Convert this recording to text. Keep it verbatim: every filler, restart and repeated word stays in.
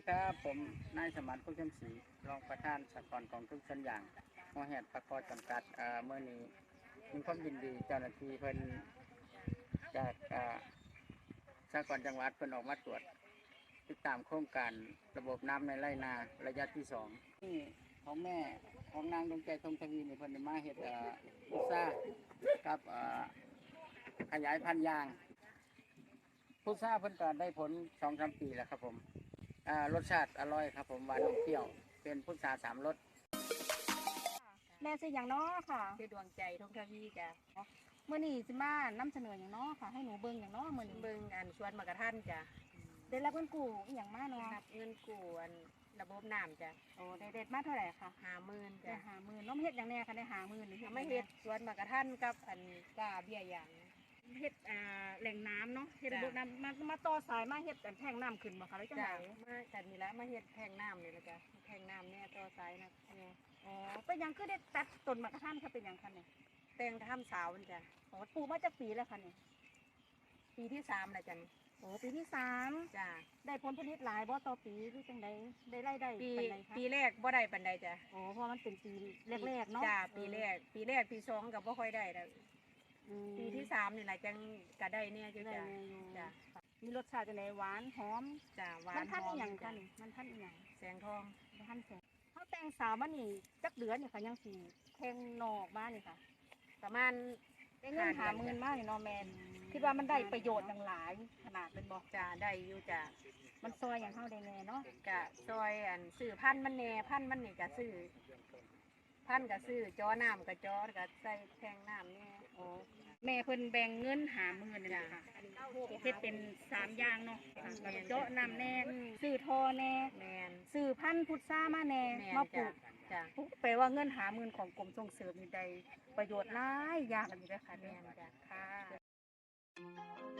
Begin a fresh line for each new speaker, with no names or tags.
ครับผมนายสมานคุชมศรีรองประธานสหกรณ์ของทุกสัญอย่างมอแหดประกอบจำกัดเอ่อเมื่อนี้มีความยินดีเจ้าหน้าที่เพิ่นจากเอ่อสหกรณ์จังหวัดเพิ่นออกมาตรวจติดตามโครงการระบบน้ำในไร่นาระยะที่สองนี่ของแม่ของนางดวงใจทงทวีนี่เพิ่นได้มาเฮ็ดเอ่อพุทรากับเอ่อขยายพันธุ์ยางพุทราเพิ่นก็ได้ผลสองสามปีแล้วครับผม อ่ารสชาติอร่อยครับผมหวานอมเปรี้ยวเป็นพุทราสามรส
แม่ซื้ออย่างน้อค่ะ
คือดวงใจทงทวีจ้ะ
เมื่อนี้สิมานำเสนออย่างน้อค่ะ ให้หนูเบิ่งอย่างน้อเมื่อนี้
เบิ่งอันสวนมะกะทันจ้ะ
ได้รับเงินกู้อหย่างมาเนาะ
รับเงินกู้อันระบบน้ำจ้ะ
โอ้ได้เด็ดมาเท่าไหร่ค่ะ
ห้าหมื่น
ได้
จ้ะ
หาหมื่นน้องเฮ็ดอย่างแน่ค่ะได้หาหมื่นหรือ
เอาไม่เฮ็ดสวนมะกะทันกับอันกาเบี้ยยาง
เฮ็ดอ่าแหล่งน้ำเนาะเฮ็ด
จ้ะ
ระบบน้ำมามาต่อสายมาเฮ็ดอันแท่งน้ำขึ้นบ่คะแล้วจัง
จ้ะ
ได
มากันนี่ละมาเฮ็ดแทงน้ำนี่ละจ้ะแทงน้ำเนี่ยต่อสายนะเนี่ย
อ๋อเป็นหยังคือได้ตัดต้นมะกะทันค่ะเป็นหยังคะเนี่ย
แตงทำสาวนี่จ้ะ
อ๋อปลูกมาจากปีแล้วค่ะเนี่ย
ปีที่สามแล้วจ้ะนี่
โอ้ปีที่สาม
จ้ะ
ได้ผลผลิตหลายบ่ต่อปีหรือจังไดได้รายได้
ปี
ปานใดคะ
ปีแรกบ่ได้ปานใดจ้ะ
โอ้เพราะมันเป็นปีแรกๆเนาะ
จ้ะปีแรก ปีแรกปีสองก็บ่ค่อยได้แล้ว
อืม
ปีที่สามนี่แหละจังก็ได้เนี่ยจ้ะ
ได้
จ้ะ
แน่อยู่
จ้ะ
มีรสชาติจังไดหวานหอม
จ้ะหวาน
มันท่าน
ห
อี
ม
หยัง
จ้ะ
คะนี่มันท่านอีหยัง
แสงทอง
มันท่านแสงเขาแต่งสาวมานี่จักเดือนนี่ค่ะยังสีแทงนอกมานี่ค่ะ
ประมาณ
ได้เงินหาหมื่นมากนี่เนาะแมนคิดว่ามันได้ประโยชน์อย่างหลายขนาดเป็นบอก
จะได้อยู่จ้ะ
มันซอยอย่างเท่าได้แน่เนาะ
กะซอยอันซื้อพันธุ์มันแหน่พันธุ์มันนี่กะซื้อพันธุ์กะซื้อจอน้ำกะจอกะใส่แทงน้ำเนี่ย
โอ้แม่เพิ่นแบ่งเงินหาหมื่นนี่แหละค่ะเฮ็ดเป็นสามอย่างเนาะค่ะแล้วก็เจาะน้ำแน่ซื้อทอแน่
แมน
ซื้อพันธุ์พุทรามาแน่
แมน
มาปลู
จ้ะ
ก
จ้ะ
แปลว่าเงินหาหมื่นของกรมส่งเสริมนี่ได้ประโยชน์หลายอย่างอันนี้เด้อค่ะ
แม
แม่
นจ้ะ
ค่ะ